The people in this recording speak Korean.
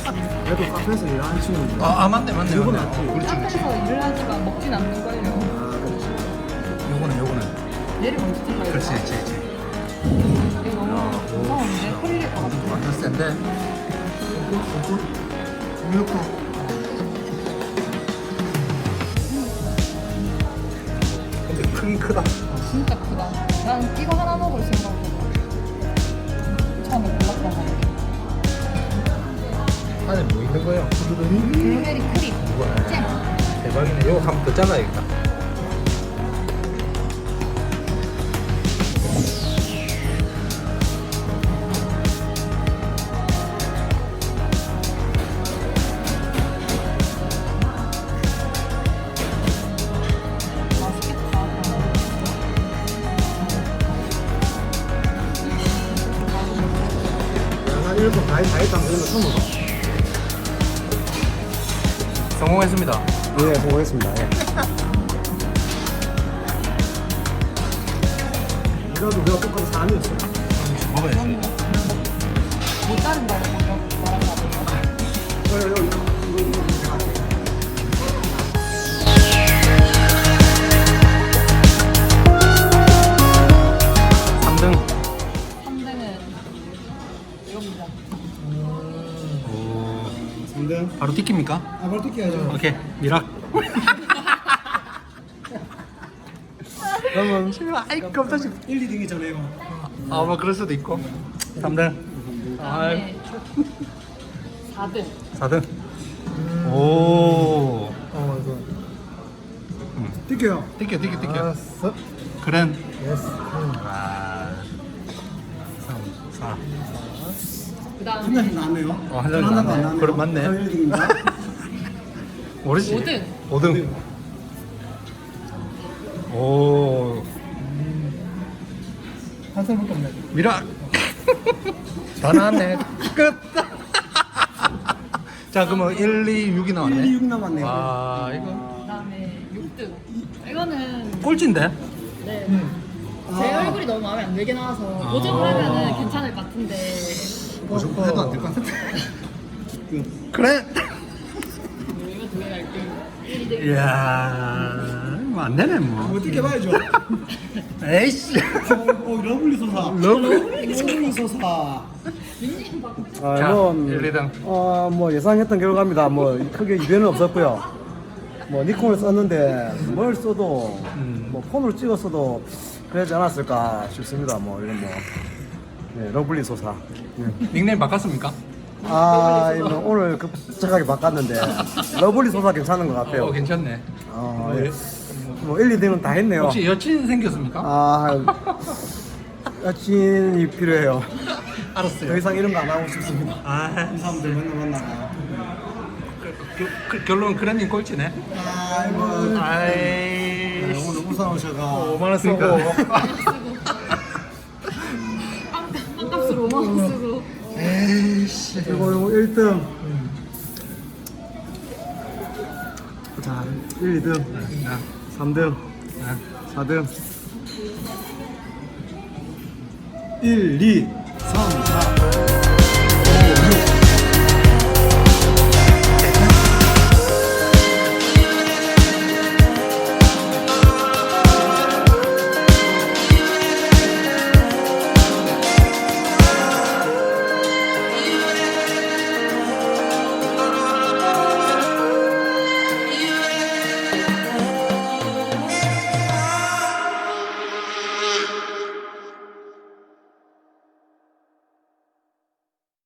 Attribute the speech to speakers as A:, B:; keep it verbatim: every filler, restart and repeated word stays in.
A: 그래도 카페에서 일하는 친구들.
B: 아, 아 맞네 맞네
A: 이건
B: 맞네.
A: 낫지.
B: 어, 그렇지 그렇지.
C: 카페에서 일을 하지만 먹진 않는걸요.
A: 아, 그렇지.
B: 요거는 요거는.
C: 얘를 먼저 잘라야
B: 그렇지
C: 돼.
B: 그렇지 그렇지.
C: 이거 너무 무서운데? 허리를 가가지고.
B: 완전 센데.
A: 이렇게.
B: 근데 크긴 크다.
C: 진짜 크다. 난 이거 하나 먹을 생각으로 처음에 골랐던 건데.
B: 안에 뭐 있는 거예요?
C: 블루베리 크림,
B: 이거네.
C: 잼.
B: 대박이네. 이거 한번 더 잘라야겠다.
C: 맛있겠다.
A: 난 일본 다이 다이트 하면 되는 거 처음 봐.
B: 성공했습니다.
A: 예, 보겠습니다. 예. 이라도 우리가 똑같은 사람이었어.
B: 먹어야지.
C: 못 자른다고 말한 거 아니에요?
A: 그래, 이거, 이거, 이거, 이거 제가 할게요.
B: 삼 등.
C: 삼 등은 이겁니다.
B: 오.
A: 삼 등.
B: 바로 튀깁니까?
A: 아, 바로 뜯겨야죠.
B: 오케이. 미락.
A: 그러면
B: 아이 깜짝이야.
A: 일, 이 등이 전에요.
B: 아, 뭐 그럴 수도 있고. 삼 등. 아,
C: 그다음에 사 등.
B: 사 등. 오.
A: 어, 이거.
B: 음.
A: 뜯겨요.
B: 튀겨 튀겨 튀겨.
A: 알았어.
B: 그랜.
A: 예스.
B: 아. 삼, 사.
C: 그다음에
A: 한 장씩 나왔네요.
B: 어, 한 장씩
A: 하나도
B: 나왔네.
A: 안 나왔네요.
B: 그럼 맞네.
A: 그럼 일 등입니다.
B: 모르지?
C: 오 등.
B: 오 등. 오.
A: 한 살밖에 없네.
B: 미락. 다 나왔네. 끝. 자, 그러면 일, 이, 육이 나왔네.
A: 일, 이, 육 남았네요.
B: 아, 이거
C: 그다음에 육 등. 이거는
B: 꼴찌인데?
C: 네.
A: 아.
C: 제 얼굴이 너무 마음에 안 들긴 나와서
B: 아.
C: 보정을 하면은 괜찮을 것 같은데
B: 보정 해도 안 될 것 같은데.
A: 그,
B: 그래.
C: 이거 두 개가 일 등. 일 등.
B: 이야, 뭐 안 되네 뭐.
A: 뭐 뜯겨봐야죠.
B: 에이씨.
A: 어, 러블리 소사. 러블리 소사.
C: 닉네임 바꿔.
A: 아,
B: 자,
A: 뭐,
B: 일, 이 등.
A: 어, 뭐 예상했던 결과입니다. 뭐 크게 이변은 없었고요. 뭐 니콘을 썼는데 뭘 써도
B: 음.
A: 뭐 폰으로 찍었어도 그러지 않았을까 싶습니다. 뭐 이런 뭐 네, 러블리 소사. 네.
B: 닉네임 바꿨습니까?
A: 아, 이거 오늘 급작하게 바꿨는데 러블리 소사 괜찮은 것 같아요.
B: 어, 괜찮네.
A: 어,
B: 뭐,
A: 예. 뭐 일, 이 등은 다 했네요.
B: 혹시 여친 생겼습니까?
A: 아, 여친이 필요해요. 더
B: 알았어요.
A: 이상 이런 거 안 하고 싶습니다.
B: 아,
A: 이 사람들 맨날 만나가.
B: 그, 그, 결론은 그랜님 꼴찌네.
A: 아이고.
B: 아이.
A: 오늘 우산 오셔가
B: 오만 원 쓰고.
C: 빵값으로 오만 원 쓰고.
B: 에이씨.
A: 이거 이거 일 등. 자, 일, 이 등,
B: 아,
A: 삼 등,
B: 아.
A: 사 등. 일, 이, 삼, 사.